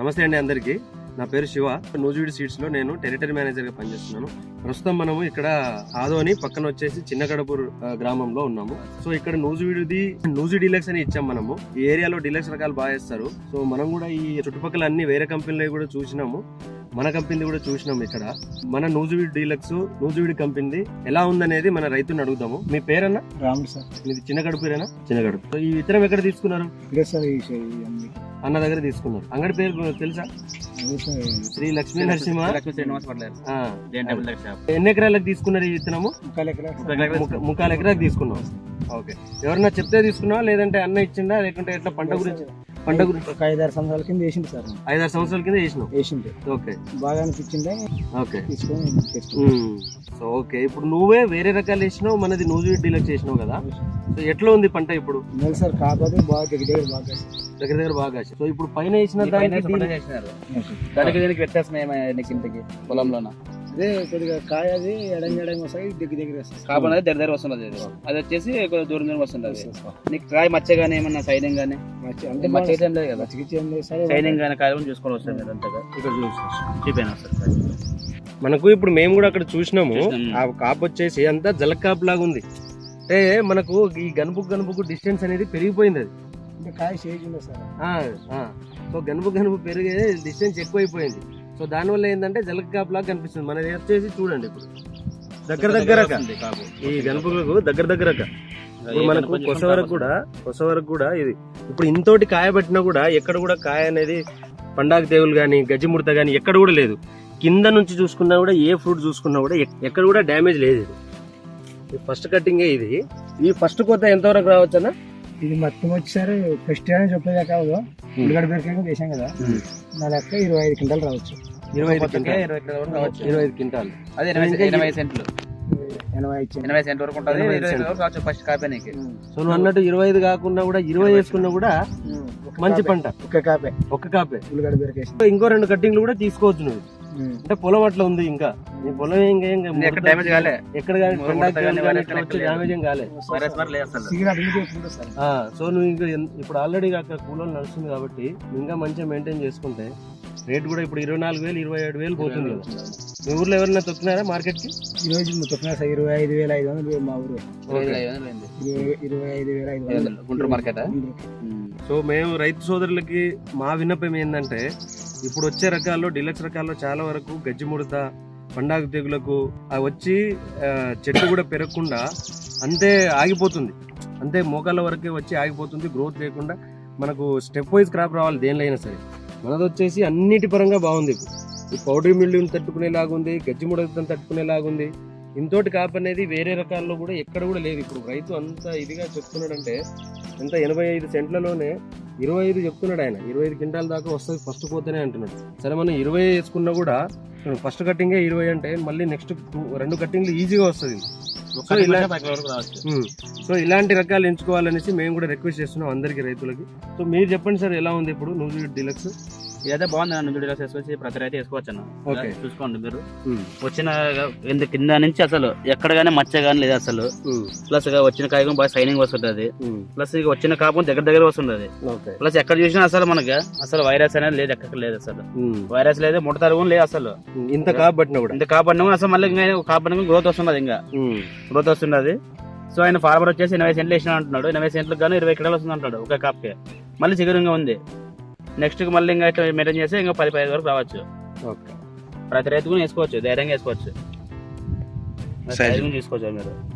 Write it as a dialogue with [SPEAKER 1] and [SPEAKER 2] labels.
[SPEAKER 1] నమస్తే అండి అందరికీ. నా పేరు శివ. నూజివీడు సీడ్స్ లో నేను టెరిటరీ మేనేజర్ గా పనిచేస్తున్నాను. ప్రస్తుతం మనము ఇక్కడ ఆదోని పక్కన వచ్చేసి చిన్నగడపూర్ గ్రామంలో ఉన్నాము. సో ఇక్కడ నూజి డీలక్స్ అని ఇచ్చాం మనము. ఈ ఏరియాలో డీలక్స్ రకాలు బాగా వేస్తారు. సో మనం కూడా ఈ చుట్టుపక్కల అన్ని వేరే కంపెనీలు కూడా చూసినాము, మన కంపెనీ కూడా చూసినాము. ఇక్కడ మన నూజివీడు డీలక్స్ నూజివీడు కంపెనీ ఎలా ఉందనేది మన రైతుని అడుగుదాము. మీ పేరన్నా?
[SPEAKER 2] రాముడు సార్.
[SPEAKER 1] మీది చిన్నగడుపురేనా? చిన్నగడుపు. సో ఈ విత్తనం ఎక్కడ తీసుకున్నారు? అన్న దగ్గర తీసుకున్నారు. అంగడి పేరు తెలుసా? శ్రీ లక్ష్మీ నరసింహ. ఎన్ని ఎకరాలకు తీసుకున్నారు ఈ విత్తనము? 3 ఎకరాలకు తీసుకున్నాం. ఓకే. ఎవరన్నా చెప్తే తీసుకున్నావా లేదంటే అన్న ఇచ్చిందా లేకుంటే ఎట్లా? పంట గురించి
[SPEAKER 2] ఒక 5-6 సంవత్సరాల కింద వేసింది సార్.
[SPEAKER 1] 5-6 సంవత్సరాల కింద వేసింది. ఓకే.
[SPEAKER 2] బాగా అనిపించింది.
[SPEAKER 1] ఓకే. సో ఓకే, ఇప్పుడు నువ్వే వేరే రకాలు వేసినావు, మనది నూజివీడు డీలక్స్ చేసినావు కదా. సో ఎట్లా ఉంది పంట ఇప్పుడు?
[SPEAKER 2] సార్ కాకపోతే బాగా
[SPEAKER 1] దగ్గర బాగా. సో ఇప్పుడు పైన వేసిన దానికి
[SPEAKER 3] వ్యత్యాసం ఏమైనా పొలంలోన?
[SPEAKER 2] అదే కొద్దిగా కాయ అది ఎడం వస్తాయి, దగ్గర
[SPEAKER 3] కాబట్టి దగ్గర వస్తున్నది. అది వచ్చేసి కొద్దిగా దూరం వస్తుంది. నీకు కాయ మచ్చగానే ఏమన్నా సైనింగ్ గానీ అంటే మచ్చ ఏం లేదు కదా, సైనింగ్ గానీ కాయ చూసుకొని వస్తుంది కదా. అంతగా ఇక్కడ చూసిపోయినా సార్
[SPEAKER 1] మనకు. ఇప్పుడు మేము కూడా అక్కడ చూసినాము. ఆ కాపు వచ్చేసి అంతా జలక్ కాపు లాగా ఉంది. అంటే మనకు ఈ గనుపుకు డిస్టెన్స్ అనేది పెరిగిపోయింది. అది
[SPEAKER 2] కాయ షేజ్ ఉంది సార్.
[SPEAKER 1] సో గనుపు పెరిగే డిస్టెన్స్ ఎక్కువైపోయింది. సో దానివల్ల ఏంటంటే జలక్ కాపు లాగా కనిపిస్తుంది. మనది వచ్చేసి చూడండి ఇప్పుడు దగ్గర ఈ గనుపులకు దగ్గర మనకు కొస వరకు కూడా ఇది ఇప్పుడు ఇంతోటి కాయ పట్టినా కూడా ఎక్కడ కూడా కాయ అనేది పండాకు తెగులు గానీ గజ్జిముడత గానీ ఎక్కడ కూడా లేదు. కింద నుంచి చూసుకున్నా కూడా ఏ ఫ్రూట్ చూసుకున్నా కూడా ఎక్కడ కూడా డ్యామేజ్ లేదు. ఇది ఫస్ట్ కట్టింగే. ఇది ఈ ఫస్ట్ కొత్త ఎంతవరకు రావచ్చు అన్న?
[SPEAKER 2] ఇది మొత్తం వచ్చేసరి ఫస్ట్ అని చెప్పేదా కాదు, ఉల్లిగడ్డ బీరకాయ వేసాం కదా, నా లెక్క 25 క్వింటాలు రావచ్చు.
[SPEAKER 1] 25 క్వింటాలు.
[SPEAKER 3] అదే 80 సెంట్లు
[SPEAKER 2] 80
[SPEAKER 3] సెంట్ వరకు ఉంటుంది ఫస్ట్ కాపేనికి.
[SPEAKER 1] సో నువ్వు అన్నట్టు 25 కాకుండా కూడా 20 వేసుకున్నా కూడా మంచి పంట.
[SPEAKER 2] ఒక్క కాపే ఉల్లిగడ్డ బీరకాయ.
[SPEAKER 1] ఇంకో 2 కట్టింగ్లు కూడా తీసుకోవచ్చు నువ్వు. అంటే పొలం అట్లా ఉంది. ఇంకా నీ పొలం
[SPEAKER 3] ఎక్కడ డ్యామేజ్ కాలే,
[SPEAKER 1] ఎక్కడ డ్యామేజ్ ఏం కాలే. సో నువ్వు ఇంకా ఇప్పుడు ఆల్రెడీ అక్కడ కూలీలు నడుస్తుంది కాబట్టి ఇంకా మంచిగా మెయింటైన్ చేసుకుంటే రేట్ కూడా ఇప్పుడు 24,000 27,000 పోతుంది కదా. మీ ఊర్లో ఎవరైనా తొక్కినారా మార్కెట్ కి?
[SPEAKER 2] ఈ రోజు తొక్కినా 25,500 మా ఊరు. 25,500
[SPEAKER 3] గుంటూరు మార్కెట్.
[SPEAKER 1] సో మేము రైతు సోదరులకి మా విన్నపం ఏంటంటే ఇప్పుడు వచ్చే రకాల్లో డీలక్స్ రకాల్లో చాలా వరకు గజ్జిముడత పండాకు తెగులకు వచ్చి చెట్టు కూడా పెరగకుండా అంతే ఆగిపోతుంది. అంతే మోకాళ్ళ వరకే వచ్చి ఆగిపోతుంది. గ్రోత్ లేకుండా మనకు స్టెప్ వైజ్ క్రాప్ రావాలి దేనిలో అయినా సరే. మనది వచ్చేసి అన్నిటి పరంగా బాగుంది. ఈ పౌడరీ మిల్లుని తట్టుకునేలాగుంది, గజ్జిముడతను తట్టుకునేలాగుంది. ఇంతోటి కాపు అనేది వేరే రకాల్లో కూడా ఎక్కడ కూడా లేదు. ఇప్పుడు రైతు అంత ఇదిగా చెప్తున్నాడంటే ఎంత 85 సెంట్లలోనే 25 చెప్తున్నాడు ఆయన. 25 క్వింటాల దాకా వస్తుంది ఫస్ట్ పోతేనే అంటున్నాడు. సరే మనం 20 వేసుకున్నా కూడా ఫస్ట్ కట్టింగే 20 అంటే మళ్ళీ నెక్స్ట్ 2 కట్టింగ్లు ఈజీగా వస్తుంది. సో ఇలాంటి రకాలు ఎంచుకోవాలనేసి మేము కూడా రిక్వెస్ట్ చేస్తున్నాం అందరికి రైతులకి. సో మీరు చెప్పండి సార్, ఎలా ఉంది ఇప్పుడు నూజివీడు డీలక్స్?
[SPEAKER 3] ఇదైతే బాగుంది అన్న. నూజివీడు డీలక్స్ వేసుకొచ్చి ప్రతి రైతు వేసుకోవచ్చు అన్న. ఓకే, చూసుకోండి మీరు. వచ్చిన కింద నుంచి అసలు ఎక్కడ గానీ మచ్చ గానీ లేదు అసలు. ప్లస్ వచ్చిన కాయ బాగా సైనింగ్ వస్తుంటది. ప్లస్ ఇక వచ్చిన కాపు దగ్గర వస్తుంటది. ప్లస్ ఎక్కడ చూసినా అసలు మనకి అసలు వైరస్ అనేది లేదు, ఎక్కడ లేదు అసలు. వైరస్ లేదు, ముడత తరుగు లేదు అసలు.
[SPEAKER 1] ఇంత కాపట్టినా కూడా
[SPEAKER 3] అసలు మళ్ళీ కాపాడిన గ్రోత్ వస్తున్నది. ఇంకా గ్రోత్ వస్తున్నది. సో ఆయన ఫార్మర్ వచ్చేసి 80 సెంట్లు వేసిన అంటున్నాడు. 80 సెంట్లకు గాను 20 క్వింటాలు వస్తుంది అంటాడు ఒక కాప్కే. మళ్ళీ చిగురుగా ఉంది. నెక్స్ట్ మళ్ళీ ఇంకా ఇట్లా మెయింటైన్ చేస్తే ఇంకా 10-15 వరకు రావచ్చు. ప్రతి రైతు కూడా వేసుకోవచ్చు, ధైర్యంగా వేసుకోవచ్చు, తీసుకోవచ్చు మీరు.